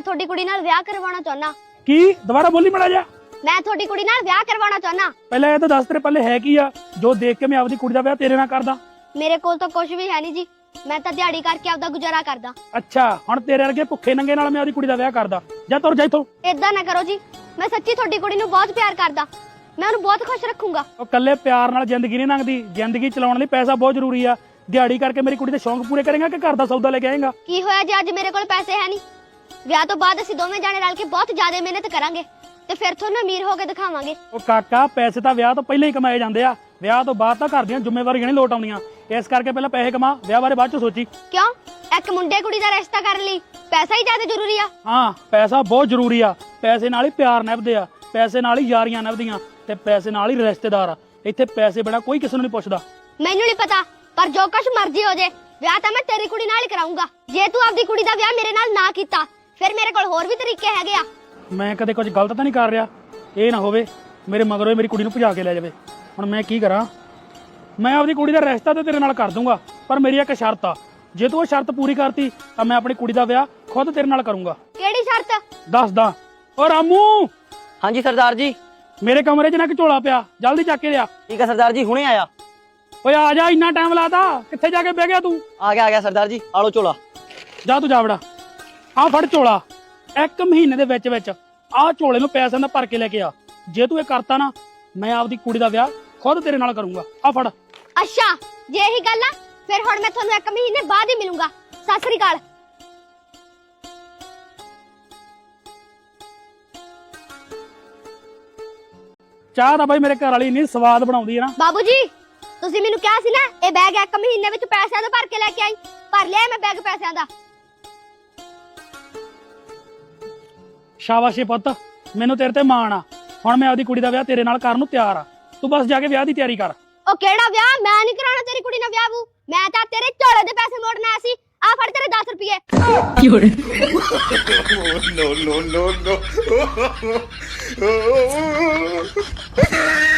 ਤੁਹਾਡੀ ਕੁੜੀ ਨਾਲ ਵਿਆਹ ਕਰਵਾਉਣਾ ਚਾਹੁੰਦਾ। ਕੀ ਦੁਬਾਰਾ ਬੋਲੀ ਮੜਾ ਜਾ। ਮੈਂ ਤੁਹਾਡੀ ਕੁੜੀ ਨਾਲ ਵਿਆਹ ਕਰਵਾਉਣਾ ਚਾਹੁੰਦਾ। ਪਹਿਲਾਂ ਇਹ ਤਾਂ ਦੱਸ ਤੇਰੇ ਪੱਲੇ ਹੈ ਕੀ ਆ ਜੋ ਦੇਖ ਕੇ ਮੈਂ ਆਪਦੀ ਕੁੜੀ ਦਾ ਵਿਆਹ ਤੇਰੇ ਨਾਲ ਕਰਦਾ। ਮੇਰੇ ਕੋਲ ਤਾਂ ਕੁਝ ਵੀ ਹੈ ਨਹੀਂ ਜੀ, ਮੈਂ ਤਾਂ ਦਿਹਾੜੀ ਕਰਕੇ ਆਪਦਾ ਗੁਜ਼ਾਰਾ ਕਰਦਾ। ਅੱਛਾ ਹੁਣ ਤੇਰੇ ਵਰਗੇ ਭੁੱਖੇ ਨੰਗੇ ਨਾਲ ਮੈਂ ਆਪਦੀ ਕੁੜੀ ਦਾ ਵਿਆਹ ਕਰਦਾ। ਜਾ ਤੁਰ ਜਾ ਇੱਥੋਂ। ਏਦਾਂ ਨਾ ਕਰੋ ਜੀ, ਮੈਂ ਸੱਚੀ ਤੁਹਾਡੀ ਕੁੜੀ ਨੂੰ ਬਹੁਤ ਪਿਆਰ ਕਰਦਾ, ਮੈਂ ਉਹਨੂੰ ਬਹੁਤ ਖੁਸ਼ ਰੱਖੂੰਗਾ। ਉਹ ਕੱਲੇ ਪਿਆਰ ਨਾਲ ਜ਼ਿੰਦਗੀ ਨਹੀਂ ਲੰਘਦੀ, ਜ਼ਿੰਦਗੀ ਚਲਾਉਣ ਲਈ ਪੈਸਾ ਬਹੁਤ ਜ਼ਰੂਰੀ ਆ। ਦਿਹਾੜੀ ਕਰਕੇ ਮੇਰੀ ਕੁੜੀ ਦੇ ਸ਼ੌਂਕ ਪੂਰੇ ਕਰੇਗਾ ਕਿ ਘਰ ਦਾ ਸੌਦਾ ਲੈ ਕੇ ਆਏਗਾ? ਕੀ ਹੋਇਆ ਜੀ ਅੱਜ ਮੇਰੇ ਕੋਲ ਪੈਸੇ ਹੈ ਨਹੀਂ? ਵਿਆਹ ਤੋਂ ਬਾਅਦ ਅਸੀਂ ਦੋਵੇਂ ਜਾਣੇ ਰਲ ਕੇ ਬਹੁਤ ਜ਼ਿਆਦਾ ਮਿਹਨਤ ਕਰਾਂਗੇ ਤੇ ਫਿਰ ਤੁਹਾਨੂੰ ਅਮੀਰ ਹੋ ਕੇ ਦਿਖਾਵਾਂਗੇ। ਉਹ ਕਾਕਾ ਪੈਸੇ ਤਾਂ ਵਿਆਹ ਤੋਂ ਪਹਿਲਾਂ ਹੀ ਕਮਾਏ ਜਾਂਦੇ ਆ, ਵਿਆਹ ਤੋਂ ਬਾਅਦ ਤਾਂ ਘਰ ਦੀਆਂ ਜ਼ਿੰਮੇਵਾਰੀਆਂ ਨਹੀਂ ਲੋਟ ਆਉਂਦੀਆਂ। ਇਸ ਕਰਕੇ ਪਹਿਲਾਂ ਪੈਸੇ ਕਮਾ, ਵਿਆਹ ਬਾਰੇ ਬਾਅਦ ਚ ਸੋਚੀ। ਕਿਉਂ? ਇੱਕ ਮੁੰਡੇ ਕੁੜੀ ਦਾ ਰਿਸ਼ਤਾ ਕਰਨ ਲਈ ਪੈਸਾ ਹੀ ਜ਼ਿਆਦਾ ਜ਼ਰੂਰੀ ਆ? ਹਾਂ ਪੈਸਾ ਬਹੁਤ ਜ਼ਰੂਰੀ ਆ। ਪੈਸੇ ਨਾਲ ਹੀ ਪਿਆਰ ਨਿਭਦੇ ਆ, ਪੈਸੇ ਨਾਲ ਹੀ ਯਾਰੀਆਂ ਨਿਭਦੀਆਂ ਤੇ ਪੈਸੇ ਨਾਲ ਹੀ ਰਿਸ਼ਤੇਦਾਰ ਆ। ਇੱਥੇ ਪੈਸੇ ਬਿਨਾਂ ਕੋਈ ਕਿਸੇ ਨੂੰ ਨਹੀਂ ਪੁੱਛਦਾ। ਮੈਨੂੰ ਨਹੀਂ ਪਤਾ, ਪਰ ਜੋ ਕੁਛ ਮਰਜ਼ੀ ਹੋ ਜੇ ਵਿਆਹ ਤਾਂ ਮੈਂ ਤੇਰੀ ਕੁੜੀ ਨਾਲ ਹੀ ਕਰਾਉਂਗਾ। ਜੇ ਤੂੰ ਆਪਦੀ ਕੁੜੀ ਦਾ ਵਿਆਹ ਮੇਰੇ ਨਾਲ ਨਾ ਕੀਤਾ ਫਿਰ ਮੇਰੇ ਕੋਲ ਹੋਰ ਵੀ ਤਰੀਕੇ ਹੈਗੇ ਆ। ਮੈਂ ਕਦੇ ਕੁਝ ਗਲਤ ਤਾਂ ਨਹੀਂ ਕਰ ਰਿਹਾ? ਇਹ ਨਾ ਹੋਵੇ ਮੇਰੇ ਮਗਰੋਂ ਮੇਰੀ ਕੁੜੀ ਨੂੰ ਭਜਾ ਕੇ ਲੈ ਜਾਵੇ। ਹੁਣ ਮੈਂ ਕੀ ਕਰਾਂ? ਮੈਂ ਆਪਦੀ ਕੁੜੀ ਦਾ ਰਿਸ਼ਤਾ ਤਾਂ ਤੇਰੇ ਨਾਲ ਕਰ ਦੂੰਗਾ, ਪਰ ਮੇਰੀ ਇੱਕ ਸ਼ਰਤ ਆ। ਜੇ ਤੂੰ ਉਹ ਸ਼ਰਤ ਪੂਰੀ ਕਰਤੀ ਤਾਂ ਮੈਂ ਆਪਣੀ ਕੁੜੀ ਦਾ ਵਿਆਹ ਖੁਦ ਤੇਰੇ ਨਾਲ ਕਰੂੰਗਾ। ਕਿਹੜੀ ਸ਼ਰਤ? ਦੱਸਦਾ। ਓ ਰਾਮੂ, ਹਾਂਜੀ ਸਰਦਾਰ ਜੀ। ਮੇਰੇ ਕਮਰੇ 'ਚ ਨਾ ਝੋਲਾ ਪਿਆ, ਜਲਦੀ ਚੱਕ ਕੇ ਲਿਆ। ਠੀਕ ਹੈ ਸਰਦਾਰ ਜੀ, ਹੁਣੇ ਆਇਆ। ਓਏ ਆ ਜਾ, ਇੰਨਾ ਟਾਈਮ ਲਾਤਾ, ਕਿੱਥੇ ਜਾ ਕੇ ਬਹਿ ਗਿਆ ਤੂੰ? ਆ ਗਿਆ ਸਰਦਾਰ ਜੀ, ਆਲੋ ਝੋਲਾ। ਜਾ ਤੂੰ ਜਾ ਵੜਾ, ਆ ਫੜ ਝੋਲਾ। 1 ਮਹੀਨੇ ਦੇ ਵਿੱਚ ਵਿੱਚ ਆਹ ਝੋਲੇ ਨੂੰ ਪੈਸਿਆਂ ਦਾ ਭਰ ਕੇ ਲੈ ਕੇ ਆ। ਜੇ ਤੂੰ ਇਹ ਕਰਤਾ ਨਾ ਮੈਂ ਆਪਦੀ ਕੁੜੀ ਦਾ ਵਿਆਹ ਖੁਦ ਤੇਰੇ ਨਾਲ ਕਰੂੰਗਾ। ਆ ਫੜ। ਅੱਛਾ ਜੇ ਇਹੀ ਗੱਲ ਆ ਫਿਰ ਹੁਣ ਮੈਂ ਤੁਹਾਨੂੰ 1 ਮਹੀਨੇ ਬਾਅਦ ਹੀ ਮਿਲੂੰਗਾ। ਸਤਿ ਸ੍ਰੀ ਅਕਾਲ। ਚਾਹ ਤਾਂ ਬਾਈ ਮੇਰੇ ਘਰ ਵਾਲੀ ਇੰਨੀ ਸਵਾਦ ਬਣਾਉਂਦੀ ਹੈ ਨਾ। ਬਾਬੂ ਜੀ ਤੁਸੀਂ ਮੈਨੂੰ ਕਿਹਾ ਸੀ ਨਾ ਇਹ ਬੈਗ 1 ਮਹੀਨੇ ਵਿੱਚ ਪੈਸਿਆਂ ਦਾ ਭਰ ਕੇ ਲੈ ਕੇ ਆਈ, ਭਰ ਲਿਆ ਮੈਂ ਬੈਗ ਪੈਸਿਆਂ ਦਾ। ਸ਼ਾਬਾਸ਼ ਏ ਪੁੱਤ, ਮੈਨੂੰ ਤੇਰੇ ਤੇ ਮਾਣ ਆ। ਹੁਣ ਮੈਂ ਆਪਦੀ ਕੁੜੀ ਦਾ ਵਿਆਹ ਤੇਰੇ ਨਾਲ ਕਰਨ ਨੂੰ ਤਿਆਰ ਆ। ਤੂੰ ਬਸ ਜਾ ਕੇ ਵਿਆਹ ਦੀ ਤਿਆਰੀ ਕਰ। ਉਹ ਕਿਹੜਾ ਵਿਆਹ? ਮੈਂ ਨਹੀਂ ਕਰਾਉਣਾ ਤੇਰੀ ਕੁੜੀ ਨਾਲ ਵਿਆਹ। ਮੈਂ ਤਾਂ ਤੇਰੇ ਝੋਲੇ ਦੇ ਪੈਸੇ ਮੋੜਨ ਆਇਆ ਸੀ। ਆ ਫੜ ਤੇਰੇ 10 ਰੁਪਏ। no, no, no, no.